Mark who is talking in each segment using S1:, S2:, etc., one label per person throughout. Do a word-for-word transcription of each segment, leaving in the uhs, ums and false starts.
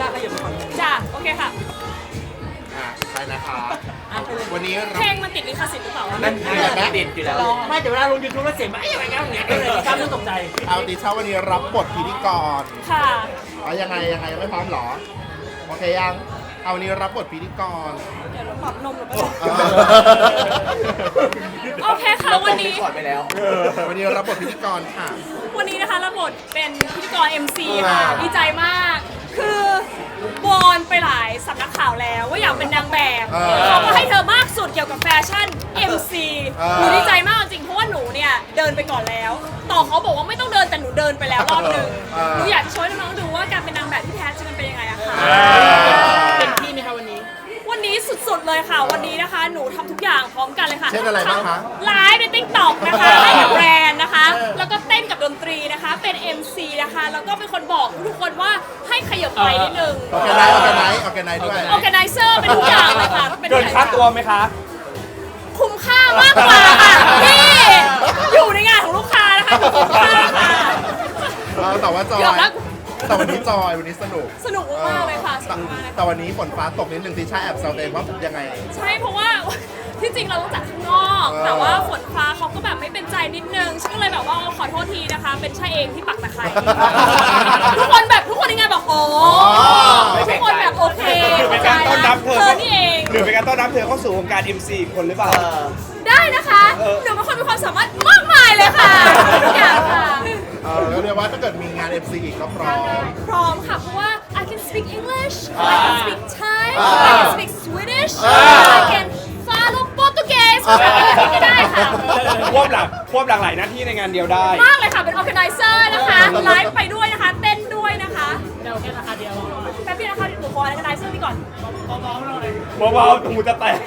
S1: าขยับไปก่อน
S2: จ้าโอเคค่ะ
S3: อ่ะใช่นะคะวันนี้
S2: เพลงมันติดลิขสิทธิ์หรือเปล่า
S3: นั่นติดอยู่แล้ว
S1: ไม่แต่เวลาลงยูทูบแล้วเสียงมันไอ้ยังไงกันเนี่ยก็เลยกล้ามต้องตกใจ
S3: เอาติช่าวันนี้รับบทพิธีกร
S2: ค่ะ
S3: เอายังไงยังไงยังไม่พร้อมหรอโอเคยังเอาวันนี้รับบทพิธีกร
S2: เดี๋ยวเราปรับนมหรือเปล่าโอเคค่ะวันนี้
S3: ไปแล้ววันนี้รับบทพิธีกรค่ะ
S2: วันนี้นะคะรับบทเป็นพิธีกร เอ็ม ซี ค่ะดีใจมากคือวอนไปหลายสำนักข่าวแล้วว่าอยากเป็นนางแบบเขาก็ให้เธอมากสุดเกี่ยวกับแฟชั่น เอ็ม ซี หนูดีใจมากจริงเพราะว่าหนูเนี่ยเดินไปก่อนแล้วต่อเขาบอกว่าไม่ต้องเดินแต่หนูเดินไปแล้วรอบหนึ่งหนูอยากจะช่วยน้องๆดูว่าการเป็นนางแบบที่แท้จริงมันเป็นยังไงอะค่ะ
S1: เต็มที่ไหมคะวันนี้
S2: วันนี้สุดๆเลยค่ะวันนี้นะคะหนูทำทุกอย่างพร้อมกันเลยค่ะ
S3: เช่นอะไรบ้างคะ
S2: ไลฟ์ใน ติ๊กต็อก นะคะให้กับแบรนด์นะคะแล้วก็เต้นกับดนตรีนะคะเป็น เอ็ม ซี นะคะแล้วก็เป็นคนบอกทุกคนว่าให้ขยับไปนิดนึง
S3: โอเคไนท์โอเคไนท์โอเคไนท์ด้วย
S2: โอเคไนเซอร์เป็นทุกอย่างเลยค่ะ
S4: เกินค่าตัวไหมคะ
S2: คุ้มค่ามากกว่าค่ะพี่อยู่ในงานของลูกค้านะคะคุ้มค่าค่ะ
S3: แต่ว่าจอยแต่วันนี้จอยวันนี้สนุก
S2: สนุกมากเลยค่ะสนุกมากเลย
S3: แต่วันนี้ฝนฟ้าตกนิดนึงติช่าแอบเซาเองว่ายังไง
S2: ใช่เพราะว่าที่จริงเราต้องจัดข้างนอกแต่ว่าฝนฟ้าเขาก็แบบไม่เป็นใจนิดนึงฉันก็เลยแบบว่าขอโทษทีนะคะเป็นชาเองที่ปักตะไคร้ทุกคนแบบทุกคนในงานบอกโอ้ทุกคนแบบโอเค
S4: เป็นการต้อนรับเธอ
S2: เธอนี่เอง
S4: หรือเป็นการต้อนรับเธอเข้าสู่วงการ เอ็ม ซี คนหรือเปล่า
S2: ได้นะคะหนูเป็นคนมีความสามารถมากมายเลยค่ะทุกอย่างค่ะ
S3: เออเรียกว่าถ้าเกิดมีงาน เอ็ม ซี อีกก็พร้อม
S2: พร้อมค่ะเพราะว่า I can speak English I can speak Thai I can speak Swedish I can follow Portuguese ก็ได้ค่ะ
S4: ควบหลักควบหลากหลายหน้าที่ในงานเดียวได้
S2: มากเลยค่ะเป็น organizer นะคะไลฟ์ไปด้วยนะคะเต้นด้วยนะคะ
S1: เดี๋ยวแค่ราคาเดียว
S2: แป๊บนึงนะคะหนูขอ organizer นี่ก่อน
S1: เบาๆหน่อย
S4: เบาๆตูจะแตก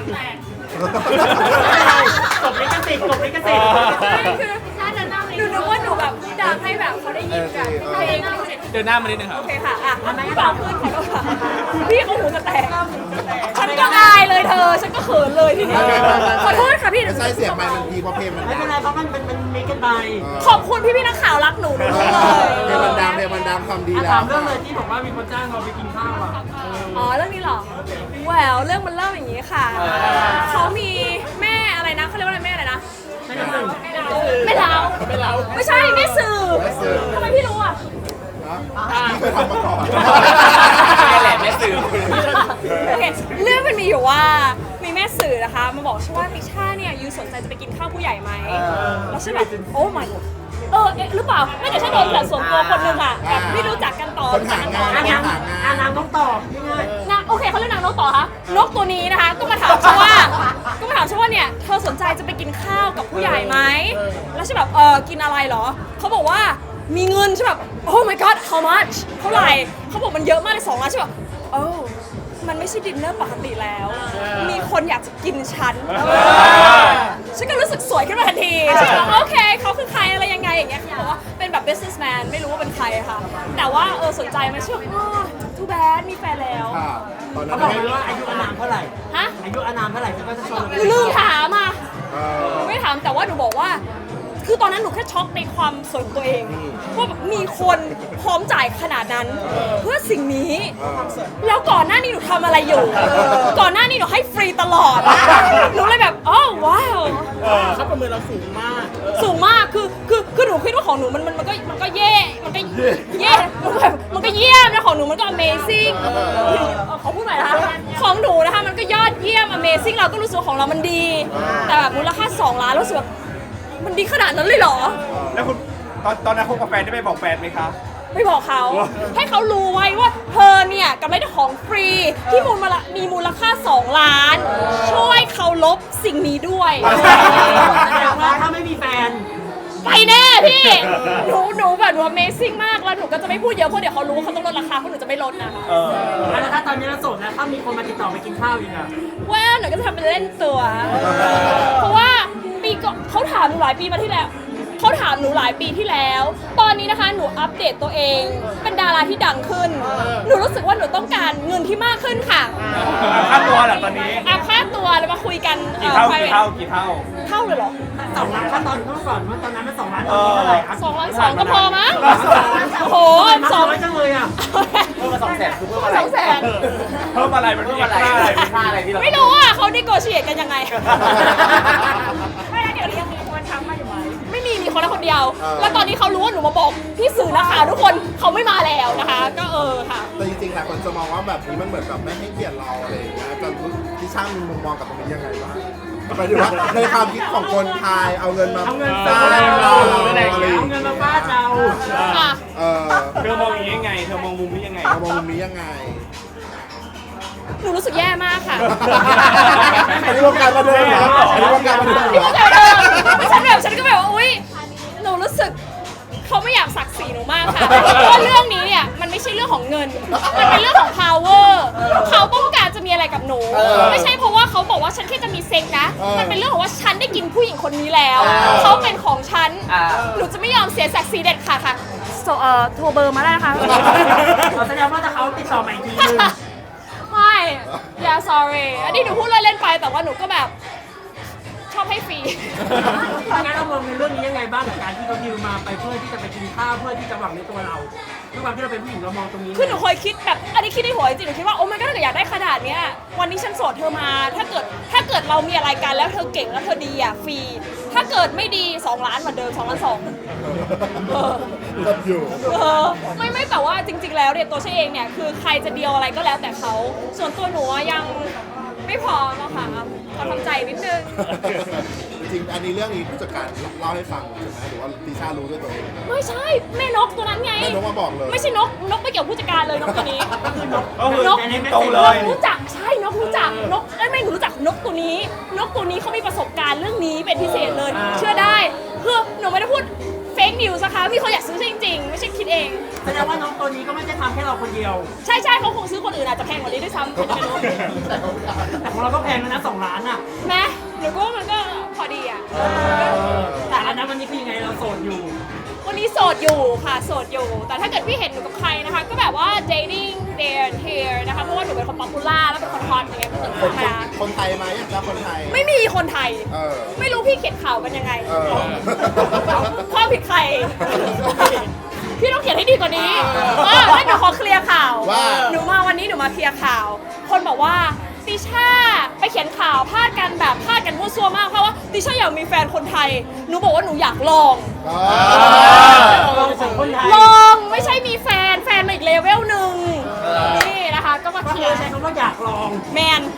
S1: กบลิขสิทธิ์กบลิขสิทธิ์
S2: คือหนูนึกว่าหนูแบบดังให้แบบเขาได้ยินกันเพลง
S4: เดินหน้ามานิดนึงครับ
S2: โอเคค่ะอ่ะพี่เบาขึ้นขอโทษค่ะพี่เขาหูจะแตกฉันก็อายเลยเธอฉันก็เขินเลยทีนี้ขอโทษค่ะพี่
S3: ไม่ใช่เสียงไมค์มันพีเพราะเพลงมัน
S1: ไม่เป็นไรเพราะมันมันมันมีกันไป
S2: ขอบคุณพี่พี่นักข่าวรักหนูหนูเลย
S3: เพลงมันดังเพลงมันดังความดีแล้ว
S1: ถามเรื่องเลยที่บอกว่ามีคนจ้างเราไปกินข้าวอ่ะ
S2: อ๋อเรื่องนี้เหรอแหววเรื่องมันเริ่มอย่างนี้ค่ะเขามีแม่อะไรนะเขาเรียกว่าอะไรแม่อะไรนะ
S1: ไม่เล่า
S2: ไม่เล่าไม่ใช่แม่สื่อทำไมพี่รู้อ่ะ
S3: พี่เคยทำมาก่อน
S4: นี่แหละแม่สื่อ
S2: โอเคเรื่องมันมีอยู่ว่ามีแม่สื่อนะคะมาบอกฉันว่าติช่าเนี่ยยูสนใจจะไปกินข้าวผู้ใหญ่ไหมแล้วฉันแบบโอ้ my god เออเอ๊ะหรือเปล่าไม่เดี๋ยวฉันโดนแบบส่วนตัวคนนึงอ่ะแบบไม่รู้จักกันต่อรู้จักกันต่อ
S1: อ่านางอ่านางต้องตอบง่าย
S2: นางโอเคเขาเรียกนางนกต่อคะนกตัวนี้นะคะก็มาถามฉันว่าก็มาถามฉันว่าเนี่ยเธอสนใจจะไปกินข้าวกับผู้ใหญ่ไหมแล้วฉันแบบเออกินอะไรเหรอเขาบอกว่ามีเงินใช่แบบ oh my god how much เท่าไหร่เขาบอกมันเยอะมากเลยสองล้านใช่แบบโอ้มันไม่ใช่ดินเนอร์ปกติแล้วมีคนอยากจะกินฉันฉันก็รู้สึกสวยขึ้นมาทันทีฉันบอกโอเคเขาคือใครอะไรยังไงอย่างเงี้ยเขาบอกว่าเป็นแบบ businessman ไม่รู้ว่าเป็นใครค่ะแต่ว่าเออสนใจไหมชื่ออ๋อ too bad มีแฟนแล้ว
S1: เขาบอกว่าอายุอานามเท่าไหร่
S2: ฮะ
S1: อายุอานามเท่าไหร่ฉันก็จะชวน
S2: ลืมถามอ่ะไม่ถามแต่ว่าหนูบอกว่าคือตอนนั้นหนูแค่ช็อกในความสวยของตัวเองว่าแบบมีคนพร้อมจ่ายขนาดนั้นเพื่อสิ่งนี้แล้วก่อนหน้านี้หนูทำอะไรอยู่ก่อนหน้านี้หนูให้ฟรีตลอดหนูเลยแบบอ๋อว้าว
S1: เขาประเมินเราสูงมาก
S2: สูงมากคือคือคือหนูคิดว่าของหนูมันมันมันก็มันก็เย่มันก็เย่มันแบบมันก็เยี่ยมนะของหนูมันก็ amazing เขาพูดใหม่นะคะของหนูนะคะมันก็ยอดเยี่ยม amazing เราก็รู้สึกของเรามันดีแต่แบบมูลค่าสองล้านรู้สึกแบบมันดีขนาดนั้นเลยเหรอ
S4: แล้วคุณตอนตอนนั้นคบกับแฟนได้ไปบอกแฟนไหมคะ
S2: ไม่บอกเขาให้เขารู้ไว้ว่าเธอเนี่ยกำไรของฟรีที่มูลมามีมูลค่าสองล้านช่วยเขาลบสิ่งนี้ด้วย
S1: แต่ว่าถ้าไม่มีแฟน
S2: ไปแน่พี่หนูหนูแบบหนู Amazing มากแล้วหนูก็จะไม่พูดเยอะเพราะเดี๋ยวเขารู้เขาต้องลดราคาเพราะหนูจะไม่ลดนะคะ
S1: แล้วถ้าตอนนี้เราโสดแล้วถ้ามีคนมาติดต่อไปกินข้าวอีกอะ
S2: ว่าหนูก็จะทำเป็นเล่นตัวเพราะว่าปีก็เขาถามหนูหลายปีมาที่แล้วเขาถามหนูหลายปีที่แล้ว ตอนนี้นะคะหนูอัปเดตตัวเอง เป็นดาราที่ดังขึ้น หนูรู้สึกว่าหนูต้องการเงินที่มากขึ้นค่ะ
S4: ค่าตัวเหรอตอนนี้
S2: อัพค่าตัวแล้วมาคุยกัน
S4: กี่เท่า
S2: อ่อ
S4: กี่เท่ากี่เท่า
S2: เท่าเลยเหรอ
S1: สองล้านขั้นตอนเมื่อก่อนเมื่อตอนนั้นมันสองล้านตอนนี้เท่าไหร่ครับ
S2: สองล้านสองก็พอมั้งโอ้โห
S1: ส
S2: ส
S1: อ
S2: อง ง
S1: น้อยจังเลยอ่ะ
S4: เพิ่มมาสองแสนคือเพิ่มอะไร
S2: สองแสน
S4: เพิ่มอะไรมันเพิ่มอะไรเป็นค่าอะไรที่เรา
S2: ไม่รู้อ่ะเขาดิโกเชียตกันยังไง ไม่แล้วเดี๋ยวนี้ยังมีคนทำมาอยู่ไหมไม่มีมีคนละคนเดียว แล้วตอนนี้เขารู้ว่าหนูมาบอกพี่สื่อนักข่าวทุกคนเขาไม่มาแล้วนะคะ ก็เออค่ะ
S3: แต่จริงๆหลายคนจะมองว่าแบบนี้มันเหมือนแบบไม่ให้เกียรติเราอะไรอย่างเงี้ยแต่ที่ช่างมีมุมมองกับตรงนี้ยังไงบ้างหมายถึงว่าในความคิดของคนไทยเอาเงินมา
S1: เอาเงิน
S3: สร้า
S1: ฟาด
S3: ง
S1: เรา
S3: เราอะไรอย่าง
S1: เอา
S3: เงี้ย
S1: เงินมาฟาดเรา
S2: ค่ะ
S3: เออ
S4: เธอมองอย่างนี้ยังไง เธอมองมุมนี้ยังไง
S3: เรามองมุมนี้ยังไง
S2: หนูรู้สึกแย่มากค่ะ
S3: อันนี้วงการบันเทิงเหรออันนี้วงการบันเทิงเหร
S2: นี่
S3: อ
S2: ก็แบบเดิมไม่ใช่แบบฉันก็แบบว่าอุ๊ยหนูรู้สึกเขาไม่อยากศักดิ์ศรีหนูมากค่ะเพราะว่าเรื่องนี้เนี่ยมันไม่ใช่เรื่องของเงิน มันเป็นเรื่องของ power เขาต้องการจะมีอะไรกับหนู ไม่ใช่เพราะว่าเขาบอกว่าฉันแค่จะมีเซ็กนะ มันเป็นเรื่องของว่าฉันได้กินผู้หญิงคนนี้แล้ว เขาเป็นของฉัน หนูจะไม่ยอมเสียศักดิ์ศรีเด็ดขาดค่ะโซเอ่อโทรเบอร์มาได้นะคะ
S1: เราแสดงว่าถ้าเขาติดต่อมาอีกทีนึง
S2: ไม่ yeah sorry อันนี้หนูพูดเล่นๆไปแต่ว่าหนูก็แบบชอบให้ฟรี
S1: งั้นเรามองในเรื่องนี้ยังไงบ้างกับการที่เขาดิวมาไปเพื่อที่จะไปกินข้าวเพื่อที่จะหวังในตัวเราด้วยความที่เราเป็นผู้หญิงเรามองตรงนี้
S2: คือหนูเคยคิดแบบอันนี้คิดในหัวจริงๆหนูคิดว่าโอ้มันก็ถ้าเกิดอยากได้ขนาดเนี้ยวันนี้ฉันโสดเธอมา ถ้าเกิดถ้าเกิดเรามีอะไรกันแล้วเธอเก่งแล้วเธอดีอ่ะฟรีถ้าเกิดไม่ดีสองล้านเหมือนเดิมสองล้านสองเออ
S3: ก็อยู่
S2: เออไม่ไม่แต่ว่าจริง ๆ แล้วเนี่ยตัวฉันเองเนี่ยคือใครจะเดียวอะไรก็แล้วแต่เขาส่วนตัวหนูอะยังไม่พร้อมอะค่ะขอทำใจนิดนึง
S3: จริงๆอันนี้เรื่องนี้ผู้จัดการเล่าให้ฟังใช่ไหมหรือว่าติชารู้ด้วยตัวเอง
S2: ไม่ใช่แม่นกตัวนั้นไง
S3: แม่นกมาบอกเลย
S2: ไม่ใช่นกนกไม่เกี่ยวกับผู้จัดการเลยนกตัวนี้
S1: ก็คือนก
S4: ก็คือน
S2: ก
S4: ตรงเลย
S2: รู้จักใช่นกรู้จักนกเอ้ยไม่หนูรู้จักนกตัวนี้ นกตัวนี้เขามีประสบการณ์เรื่องนี้เป็นพิเศษเลย เชื่อได้คือหนูไม่ได้พูดเฟกนิวส์นะคะมีคนอยากซื้อจริงๆ ไม่ใช่คิดเอง
S1: แสดงว่าน้องตัวนี้ก็ไม่ได้ทำแค่เราคนเดียว
S2: ใช่ใช่เขาคงซื้อคนอื่นอาจจะแพงกว่านี้ด้วยซ้ำใครจะไม่รู้
S1: แต่ของเราก็แพงแล้วนะสองล้านอ่ะ
S2: แม้หนูก็ว่ามันก็พอดีอ่ะ
S1: แต่อันนั้นวันนี้คือยังไงเราโสดอยู่
S2: วันนี้โสดอยู่ค่ะโสดอยู่ แต่ถ้าเกิดพี่เห็นหนูกับใครนะคะ ก็แบบว่า dating there and here นะคะเพราะว่าหนูเป็นคนป๊อปปูล่าแล้วเป็นคนฮอตอย่างเงี้ยเป็นคนธ
S3: ค
S2: ร
S3: น
S2: รมดา
S3: คนไทยไหมอยากได้คนไทย
S2: ไม่มีคนไทย
S3: เออ
S2: ไม่รู้พี่เขียนข่าวกันยังไง
S3: เออ
S2: ความผิดใคร พี่ต้องเขียนให้ดีกว่านี้เออแล้วหนูขอเคลียร์ข่าว
S3: ว่า
S2: หนูมาวันนี้หนูมาเคลียร์ข่าว คนบอกว่าติช่าไปเขียนข่าวพลาดกันแบบพลาดกันมั่วซั่วมากเพราะว่าติช่าอยากมีแฟนคนไทย หนูบอกว่าหนูอยากลอง
S3: อ๋อ
S1: เราสองคนไทย
S2: ลองไม่ใช่มีแฟนแฟนมาอีกเลเวลหนึ่งนี่นะคะก็มา
S1: ก็
S2: เคลี
S1: คื
S2: ย
S1: อ
S2: ร์
S1: ใช้คำว่าอยากลอง
S2: แมน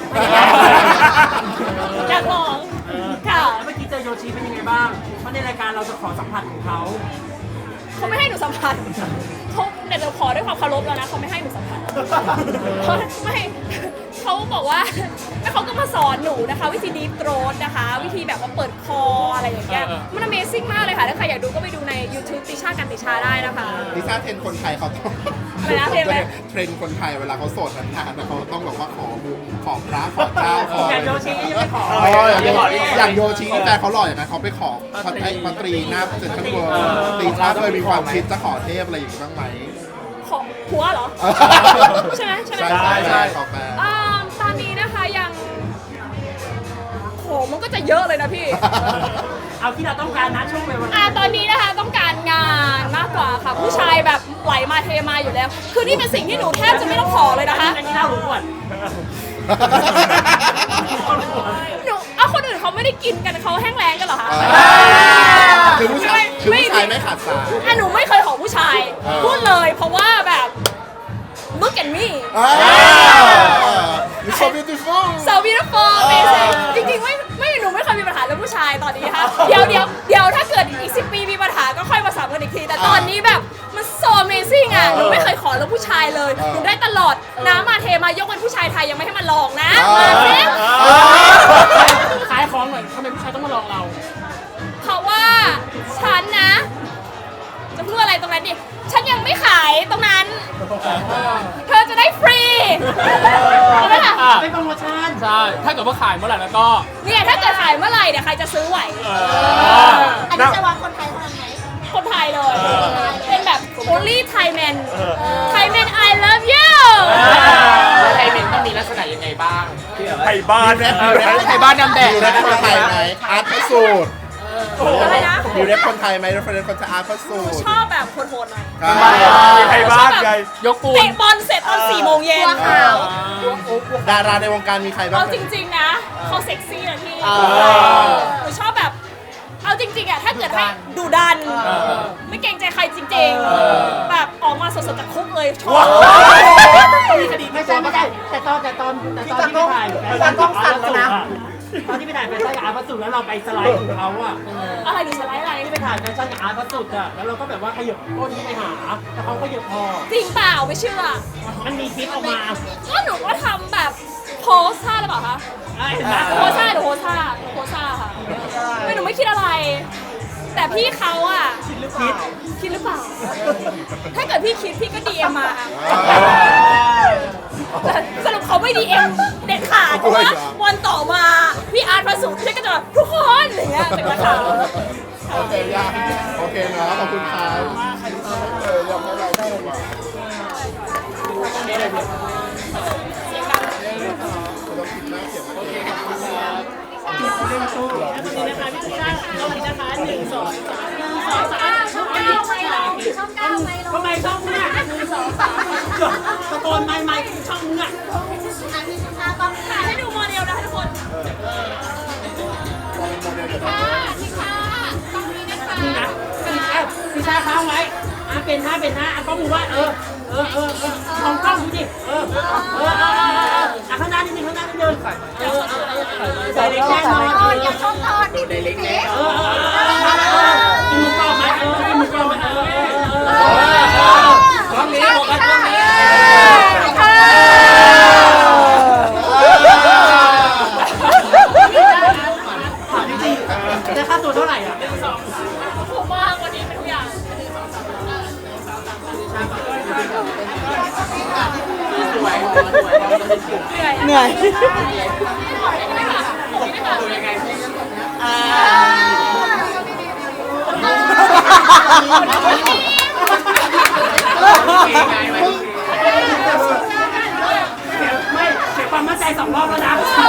S2: อยากลองค่ะ
S1: แล้วเมื่อกี้เจอโยชิเป็นยังไงบ้าง เพราะในรายการเราจะขอสัมผัสของเขา
S2: เขาไม่ให้หนูสัมผัสเขาแต่หนูขอด้วยความเคารพแล้วนะเขาไม่ให้หนูสัมผัสเขาไม่เขาบอกว่าแล้วเขาก็มาสอนหนูนะคะ วิธีดีฟโตรสนะคะ วิธีแบบว่าเปิดคออะไรอย่างเงี้ยมัน Amazing มากเลยค่ะถ้าใครอยากดูก็ไปดูใน YouTube ติชากันติชาได้นะคะ
S3: ลิซ่าเทรนคนไทยเขาต้อง
S2: อะไรนะเทรนอะไร
S3: เทรนคนไทยเวลาเขาโสดนานๆนะเขาต้องแบบว่าขอบุญขอพระขอเจ้าขอ
S1: อย่างโยชิยังไม่ขอ
S3: อ๋ออย่างโยอย่างโยชิแต่เขาหล่ออย่างนั้นเขาไปขอพระไอ้พระตรีหน้าเซ็นทรัลเวิลด์ตีชาเคยมีความคิดจะขอเทพอะไรอย่างนี้บ้างไหม
S2: ขอผัวเหรอ ใช่ไหมใช่ไหม
S3: ใช่ใช่ใช่ขอแฟน
S2: อ่าตอนนี้นะคะยังโหมันก็จะเยอะเลยนะพี่
S1: เอาที่เราต้องการนะช่วงเวลา
S2: อ่าตอนนี้นะคะต้องการงานมากกว่าค่ะ ผู้ชายแบบไหลมาเทมาอยู่แล้ว คือนี่เป็นสิ่งที่หนูแทบจะไม่ต้องขอเลยนะคะ
S1: อันนี้เล่าหรือก่อน
S2: หนูเอาคนอื่นเขาไม่ได้กินกันเขาแห้งแล้งกันเหรอคะ
S3: คือผู้ชายคือผู้ชายไม่ขาดสาย
S2: อ่ะหนูไม่เคยขอผู้ชาย พูดเลยเพราะว่าแบบ look at me
S3: อ่า You're so beautiful
S2: so beautiful amazing จริงๆไม่ไม่หนูไม่เคยมีปัญหาเรื่องผู้ชายตอนนี้ค่ะ เดี๋ยวเดี๋ยวเดี๋ยวถ้าเกิดอีกสิบปีมีปัญหาก็ค่อยมาสามกันอีกที แต่ตอนนี้แบบมัน so amazing อ่ะหนูไม่เคยขอเรื่องผู้ชายเลยหนูได้ตลอดน้ำมาเทมายกเป็นผู้ชายไทยยังไม่ให้มันลองนะมาเท
S1: ขายของหน่อยทำไมผู้ชายต้องมาลองเรา
S2: เพราะว่าฉันนะ จะพูดอะไรตรงนั้นดิฉันยังไม่ขายตรงนั้น เธอจะได้ฟรีเอาไหมล่ะ
S1: เป็นโปรโมชั่น
S5: ใช่ ถ้าเกิดว่าขายเมื่อไหร่แล้วก็
S2: เนี่ยถ้าเกิดขายเมื่อไหร่เดี๋ยวใครจะซื้อไหว
S6: อันนี้จะวางคนไทยเท่านั้น
S2: ยเมนไทยเมน I love you
S5: ไทยเมนต้องมีลักษณะยังไงบ้าง
S4: ไทยบ้าน
S5: ไทยบ้านดำแดง
S3: อยู่ในคนไทยไหมอาร์ตพระสูตร
S2: อะไรนะ
S3: อยู่ในคนไทยไหมเรฟเฟรนซ์คนไทยอาร์ตพระสูตร
S2: ชอบแบบโหดๆหน่อย
S4: ไทยบ้านไง
S5: ยกปูน
S2: เตะบอลเสร็จตอนสี่โมงเย็น
S3: ดาราในวงการมีใครบ้า
S2: เอา
S3: ง
S2: จริงๆนะเขาเซ็กซี่นะพี่
S5: เออ
S2: หนูชอบแบบ เอาจริงๆอะถ้าเกิดให้ดูดัน ไม่เกรงใจใครจริงๆ แบบออกมาสดๆจากคุกเลยชอบ
S1: มีคดีไม่ใช่ไม่ใช่แต่ตอนแต่ตอนแต่ตอนที่ไปถ่ายแฟชั่นกับอาร์ตสุดอะตอนที่ไปถ่ายแฟชั่นกับอาร์ตสุดแล้วเราไปสไลด์ของเขาอะ
S2: อะไรดูสไลด์อะไร
S1: ที่ไปถ่ายแฟชั่นกับอาร์ตสุดอะแล้วเราก็แบบว่าขยับก้นไปหาแต่เขาขยับคอ
S2: จริงเปล่าไม่เชื่อ
S1: มันมีคลิปออกมา
S2: ก็หนูก็ทำแบบโพสท่าหรือเปล่าคะ
S1: เห็นไหม
S2: โพสท่าหรือโพสท่าหนูโพสท่าค่ะไม่หนูไม่คิดอะไร แต่พี่เขาอะคิดหรือเปล่าคิดหรือเปล่า ถ้าเกิดพี่คิดพี่ก็ดีเอ็มมาแต่สรุปเขาไม่ดีเอ็มเด็ดขาดเพราะว่าวันต่อมาพี่อาร์ตพระสุทธิ์พี่ก็จะแบบทุกคนอย่างเงี้ยเป็นกระถาง
S3: โอเคยาโอเคนะขอบคุณครับเออยังไม่เราได้หรอต้องคิดหน้าเก็บไว้
S1: เรื่องตู้แล้วตรงนี้นะคะพี่ซีได้ตรงนี้นะคะหนึ่งสองสามหนึ่งสองสามช่องเก้าไหมช่องเก้าไหมทำไมช่องเนี่ยหนึ่งสองสามตะโกนไม่ไม่ช่องเนี่ย
S2: ถ่ายให้ดูโมเดลนะคะทุกคน
S1: นะพี่ชาค้างไว้อ่ะเป็นหน้าเป็นหน้าอ่ะก็มือว่าเออเออเออเออมองกล้องดูดิเออเออเออเอออ่ะข้างหน้านิดนึงข้างหน้านิดนึงเออเออเออใส่เล็กแน่นอนอย่าชอบทอด
S5: ดูในเล็กแล้ว
S1: เออเออเออเออกินหมูกรอบไหมเออกินหมูกรอบไหมเออเออเออตอนนี้บอกกันตรงนี้ถามจริงๆได้ค่าตัวเท่าไหร่อ่ะ
S2: ถูกมากวันนี้เป็นทุกอย่าง
S5: สวย
S2: เหนื่อย
S5: ดูยังไงอ่า
S1: ไม่เสียความมั่นใจสองรอบแล้วนะ